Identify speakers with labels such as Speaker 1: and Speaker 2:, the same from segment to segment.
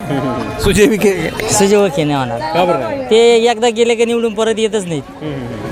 Speaker 1: सुजय विखे
Speaker 2: सुजय विखे नाही होणार.
Speaker 1: का बरं नाही?
Speaker 2: ते एकदा गेले की निवडून परत येतच नाहीत.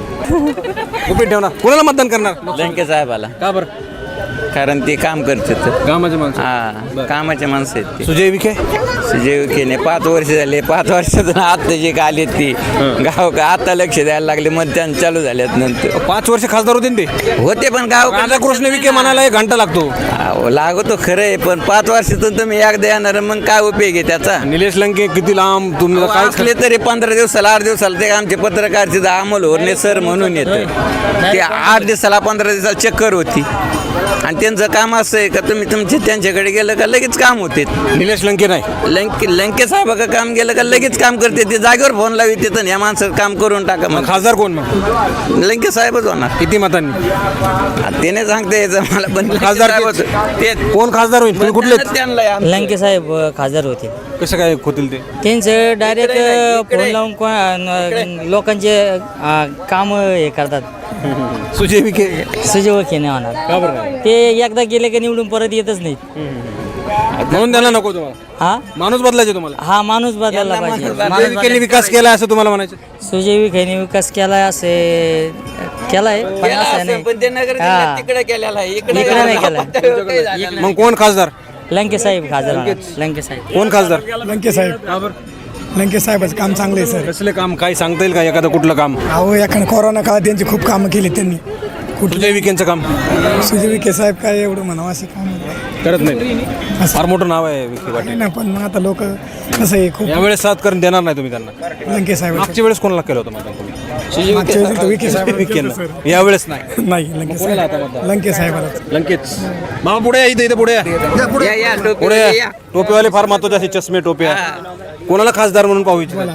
Speaker 1: गुपित ठेवणार. कोणाला मतदान करणार?
Speaker 3: लंके साहेबाला,
Speaker 1: का बरं?
Speaker 3: कारण ते काम करतात.
Speaker 1: कामाचे माणसं.
Speaker 3: हा, कामाचे माणसं आहेत ते.
Speaker 1: सुजय विखे
Speaker 3: सुजय विखेने 5 वर्ष झाले, 5 वर्षातून आता जे आले ती गाव का आता लक्ष द्यायला लागले, मतदान चालू झाल्यात नंतर.
Speaker 1: 5 वर्ष खासदार होते ना ते.
Speaker 3: होते पण गाव
Speaker 1: राधाकृष्ण विखे म्हणाला 1 घंटा लागतो.
Speaker 3: लागतो खरं आहे, पण 5 वर्षातून तुम्ही एकदा येणार, मग काय उपयोग आहे त्याचा?
Speaker 1: निलेश लंके किती लांब तुम्ही
Speaker 3: काय
Speaker 1: काय
Speaker 3: असले तरी 15 दिवसाला 8 दिवसाला ते आमचे पत्रकारचे अमोल होरणे सर म्हणून येतं ते 8 दिवसाला 15 दिवसाला चक्कर होती. आणि त्यांचं काम असं आहे का तुम्ही त्यांच्याकडे गेलं का लगेच काम होते.
Speaker 1: निलेश लंके नाही.
Speaker 3: लंके साहेब का काम गेलं का लगेच काम करते ते, जागेवर फोन लावी तिथं या माणसं काम करून टाका. मग
Speaker 1: खासदार कोण मग?
Speaker 3: लंके साहेबच होणार.
Speaker 1: किती मतांनी?
Speaker 3: ते नाही सांगता यायचं मला, पण
Speaker 1: खासदार
Speaker 3: ते
Speaker 1: कोण खासदार होईल? तुम्ही कुठले?
Speaker 3: त्यांना
Speaker 2: लंके साहेब खासदार होते.
Speaker 1: कसं काय होतील ते?
Speaker 2: त्यांचं डायरेक्ट फोन लावून लोकांचे काम हे करतात.
Speaker 1: सुजय विखे
Speaker 2: सुजय विखे नाही होणार.
Speaker 1: का बरं नाही?
Speaker 2: ते एकदा गेले की निवडून परत येतच नाहीत.
Speaker 1: म्हणून त्यांना नको तुम्हाला?
Speaker 2: हा
Speaker 1: माणूस बदलायचे तुम्हाला?
Speaker 2: हा माणूस बदलला पाहिजे.
Speaker 1: सुजय विखेने विकास केला असं तुम्हाला म्हणायचं?
Speaker 2: सुजय विखेने विकास केलाय असे केलाय, पण असं नाही.
Speaker 3: पण ते नगर
Speaker 2: हा.
Speaker 3: जिल्ह्यात तिकडे केलेला आहे,
Speaker 2: इकडे नाही केलाय.
Speaker 1: मग कोण खासदार?
Speaker 2: लंके साहेब खासदार होणार. लंके साहेब.
Speaker 1: कोण खासदार?
Speaker 4: लंके साहेब. लंके साहेबाचं काम चांगलं आहे सर.
Speaker 1: कसले काम काय सांगता येईल का एखादं कुठलं काम?
Speaker 4: अहो एखादं कोरोना काळात त्यांची खूप कामं केली त्यांनी.
Speaker 1: सुजय विखेंचं काम
Speaker 4: सुजय विखे साहेब काय एवढं म्हणावं असे काम
Speaker 1: करत नाही. फार मोठं नाव आहे विखे पाटील.
Speaker 4: ना, पण मग आता लोक कसं आहे खूप
Speaker 1: यावेळेस साथ करून देणार नाही तुम्ही त्यांना?
Speaker 4: लंके साहेब
Speaker 1: मागच्या वेळेस कोणाला केलं होतं मतदान तुम्ही?
Speaker 4: मागच्या वेळेस तर विखे साहेब
Speaker 1: विखेंना. यावेळेस नाही.
Speaker 4: नाही लंके साहेब. लंके साहेबाला
Speaker 1: लंकेच. मामा पुढे या, इथे पुढे या.
Speaker 3: या, टोपी
Speaker 1: पुढे
Speaker 3: या.
Speaker 1: या. टोपीवाले फार महत्वाचे असे चष्मे टोप्या. कोणाला खासदार म्हणून पाहू इच्छिता?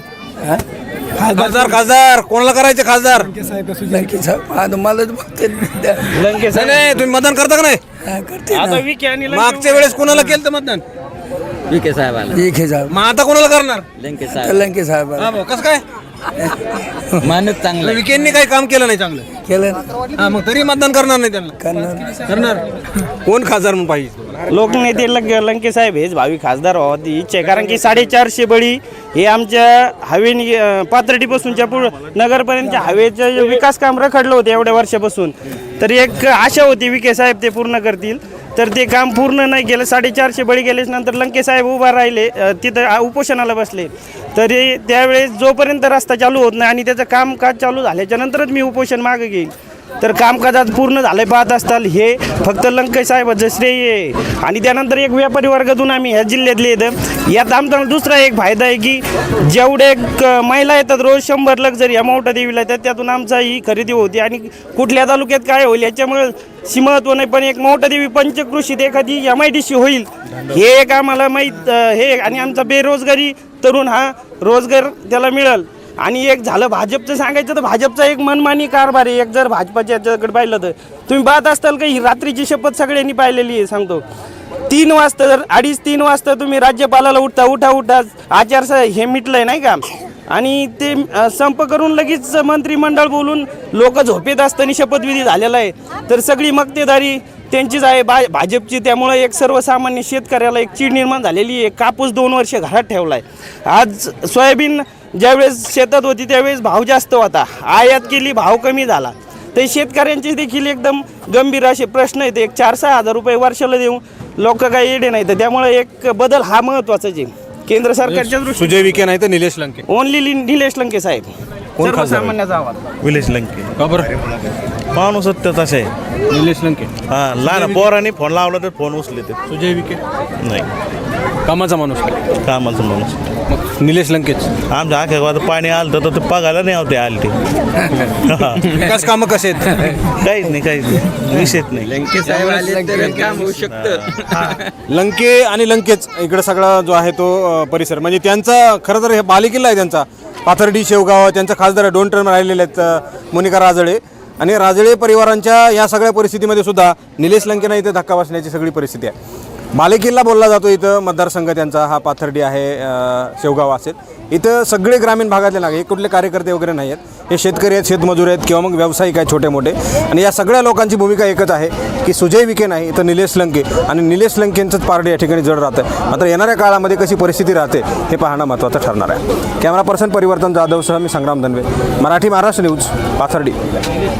Speaker 1: खासदार कोणाला करायचे खासदार?
Speaker 4: लंके साहेब सुजय विखे
Speaker 1: नाही तुम्ही मतदान करता का नाही? मागच्या वेळेस कोणाला केलं मतदान?
Speaker 3: विखे साहेबाला.
Speaker 4: विखे साहेब.
Speaker 1: मग आता कोणाला करणार?
Speaker 3: लंके साहेब
Speaker 4: लंके साहेब
Speaker 1: हा भाऊ, कसं काय?
Speaker 3: माणूस चांगला.
Speaker 1: विखेंनी काही काम केलं नाही चांगलं.
Speaker 4: केलं
Speaker 1: हा मग तरी मतदान करणार नाही त्यांना? करणार. कोण खासदार म्हणून पाहिजे?
Speaker 5: लोकनेते लंके साहेब हेच भावी खासदार व्हावी इच्छा आहे. कारण की 450 बळी हे आमच्या हवेनी पाथर्डीपासूनच्या नगरपर्यंतच्या हवेचं विकास काम रखडलं होतं एवढ्या वर्षापासून. तर एक आशा होती विखे साहेब ते पूर्ण करतील, तर ते काम पूर्ण नाही केलं. 450 बळी गेल्याच नंतर लंके साहेब उभा राहिले, तिथं उपोषणाला बसले. तरी त्यावेळेस जोपर्यंत रस्ता चालू होत नाही आणि त्याचं कामकाज चालू झाल्याच्या नंतरच मी उपोषण मागे घेईन. तर कामकाजात पूर्ण झाले पाहत असताल हे फक्त लंके साहेबाचं श्रेय आहे. आणि त्यानंतर एक व्यापारी वर्गातून आम्ही ह्या जिल्ह्यातले येतं. यात आमचा दुसरा एक फायदा आहे की जेवढे महिला येतात रोज 100 लक्झरी या मोठ्या देवीला येतात, त्यातून आमचा ही खरेदी होती. आणि कुठल्या तालुक्यात काय होईल याच्यामुळे महत्त्व नाही, पण एक मोठा देवी पंचकृषीत एखादी MIDC होईल हे एक आम्हाला माहीत हे. आणि आमचा बेरोजगारी तरुण हा रोजगार त्याला मिळेल. आणि एक झालं भाजपचं सांगायचं तर भाजपचा एक मनमानी कारभार आहे. एक जर भाजपाच्या याच्याकडे पाहिलं तर तुम्ही पाहत असताल का ही रात्रीची शपथ सगळ्यांनी पाहिलेली आहे. सांगतो 3 वाजता जर 2:30-3 वाजता तुम्ही राज्यपालाला उठा आचारसंहिता हे मिटलंय नाही का, आणि ते संप करून लगेच मंत्रिमंडळ बोलून लोक झोपेत असताना शपथविधी झालेला आहे. तर सगळी मक्तेदारी त्यांचीच आहे भाजपची. त्यामुळे एक सर्वसामान्य शेतकऱ्याला एक चीड निर्माण झालेली आहे. कापूस 2 वर्ष घरात ठेवला आहे. आज सोयाबीन ज्यावेळेस शेतात होती त्यावेळेस भाव जास्त होता, आयात केली भाव कमी झाला. तर शेतकऱ्यांचे देखील एकदम गंभीर असे प्रश्न आहेत. एक 4-6 हजार रुपये वर्षाला देऊ लोक काही येडे नाही. तर त्यामुळे एक बदल हा महत्त्वाचाच आहे केंद्र सरकारच्या दृष्टीने.
Speaker 1: सुजय विखे नाही तर निलेश लंके.
Speaker 5: ओनली निलेश लंके साहेब सर्वसामान्याचा आवाज.
Speaker 6: निलेश लंके.
Speaker 1: का बरं?
Speaker 6: माणूस सत्यच असे आहे.
Speaker 1: निलेश लंके.
Speaker 6: हा लहान पोरांनी फोन लावला तर फोन उचले ते.
Speaker 1: सुजय विखे
Speaker 6: नाही
Speaker 1: कामाचा माणूस.
Speaker 6: कामाचं माणूस.
Speaker 1: मग निलेश लंकेच.
Speaker 6: आमच्या आख्या गावात पाणी आलं तर ते बघायला नाही होते आले ते.
Speaker 1: विकास कामं कसे आहेत?
Speaker 6: काहीच नाही विषयच नाही.
Speaker 3: लंके साहेब आले तर काम होऊ शकतं.
Speaker 1: लंके आणि लंकेच इकडे सगळा जो आहे तो परिसर म्हणजे त्यांचा खरं तर हे बालेकिल्ला आहे त्यांचा. पाथर्डी शेवगाव त्यांचा खासदार 2 टर्म राहिलेले आहेत मोनिका राजळे. आणि राजळे परिवारांच्या या सगळ्या परिस्थितीमध्ये सुद्धा निलेश लंकेंना इथे धक्का बसण्याची सगळी परिस्थिती आहे. बालेकिल्ला बोलला जातो इथं मतदारसंघ त्यांचा हा पाथर्डी आहे, शेवगाव असेल. इथं सगळे ग्रामीण भागातले नागरिक, हे कुठले कार्यकर्ते वगैरे नाही आहेत, हे शेतकरी आहेत, शेतमजूर आहेत किंवा मग व्यावसायिक आहेत छोटे मोठे. आणि या सगळ्या लोकांची भूमिका एकच आहे की सुजय विखे नाही तर निलेश लंके, आणि निलेश लंकेंचंच पारडे या ठिकाणी जड राहतं. मात्र येणाऱ्या काळामध्ये कशी परिस्थिती राहते हे पाहणं महत्त्वाचं ठरणार आहे. कॅमेरा पर्सन परिवर्तन जाधवसह मी संग्राम धनवे, मराठी महाराष्ट्र न्यूज, पाथर्डी.